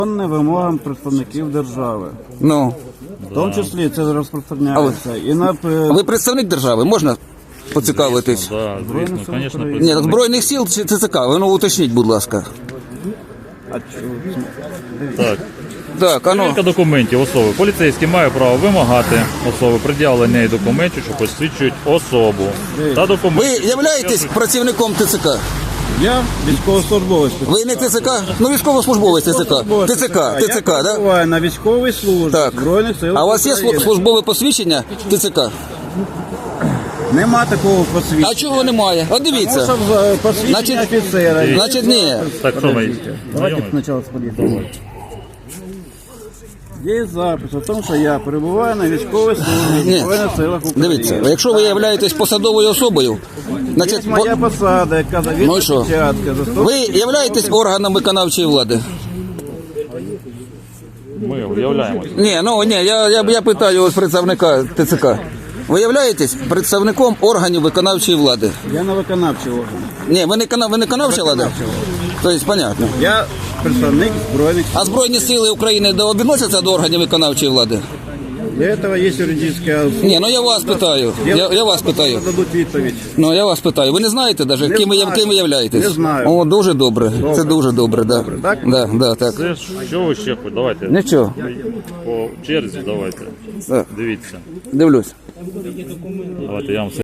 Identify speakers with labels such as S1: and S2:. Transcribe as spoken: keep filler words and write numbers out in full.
S1: Вимогам представників держави.
S2: Ну.
S1: В тому числі це розпространяється. І на
S2: А ви представник держави, можна поцікавитись?
S3: Да, звісно, звісно.
S2: Ні, так Збройних сил чи ТЦК? Ви ну уточніть, будь ласка.
S3: Так.
S2: Так, а ну.
S3: Перевірка документів особи. Поліцейський має право вимагати особи пред'явлення і документів, що посвідчують особу. Та
S2: Ви
S3: документи.
S2: являєтесь працівником ТЦК?
S1: Я військовослужбовець.
S2: Ви не ТЦК? Ну, військовослужбовець ТЦК. ТЦК, ТЦК,
S1: Я
S2: да?
S1: перебуваю на військовій службі
S2: Так.
S1: Збройних сил
S2: А у вас є
S1: України.
S2: слу- службове посвідчення ТЦК?
S1: Нема такого посвідчення.
S2: А чого немає? От дивіться.
S1: Тому що в, е, посвідчення
S2: Значить-
S1: офіцера. є
S2: Значить, ні.
S1: запис.
S3: Так, що ми
S1: Давайте
S3: знайомі?
S1: спочатку сподіваємо. Є запис о тому, що я перебуваю на військовій службі
S2: Ні.
S1: в Збройних силах України.
S2: Дивіться, якщо ви являєтесь посадовою особою, значить,
S1: Є моя
S2: по-
S1: посада, яка
S2: Ну і
S1: завідує
S2: що?
S1: початка.
S2: ви являєтесь органом виконавчої влади?
S3: Ми виявляємося.
S2: Ні, ну ні, я, я, я питаю ось представника ТЦК. Ви являєтесь представником органів виконавчої влади?
S1: Я на виконавчий орган.
S2: Ні, ви не, кана- ви не виконавча влада? Тобто, понятно.
S1: Я представник Збройних сил.
S2: А Збройні сили України до- відносяться до органів виконавчої влади?
S1: Для цього є юридична особа.
S2: Ні, ну я вас питаю. Я, я вас питаю.
S1: Дадуть відповідь.
S2: Ну, я вас питаю. Ви не знаєте навіть,
S1: Не
S2: ким ви,
S1: знаю.
S2: ким ви являєтесь?
S1: Не знаю.
S2: О, дуже добре. Це дуже добре, да.
S1: Добре, так?
S2: Да, да, так.
S3: Це ж, що ви ще хочете? Давайте.
S2: Нічого.
S3: По черзі давайте.
S2: Так,
S3: Дивіться.
S2: дивлюсь.
S3: Давайте я вам все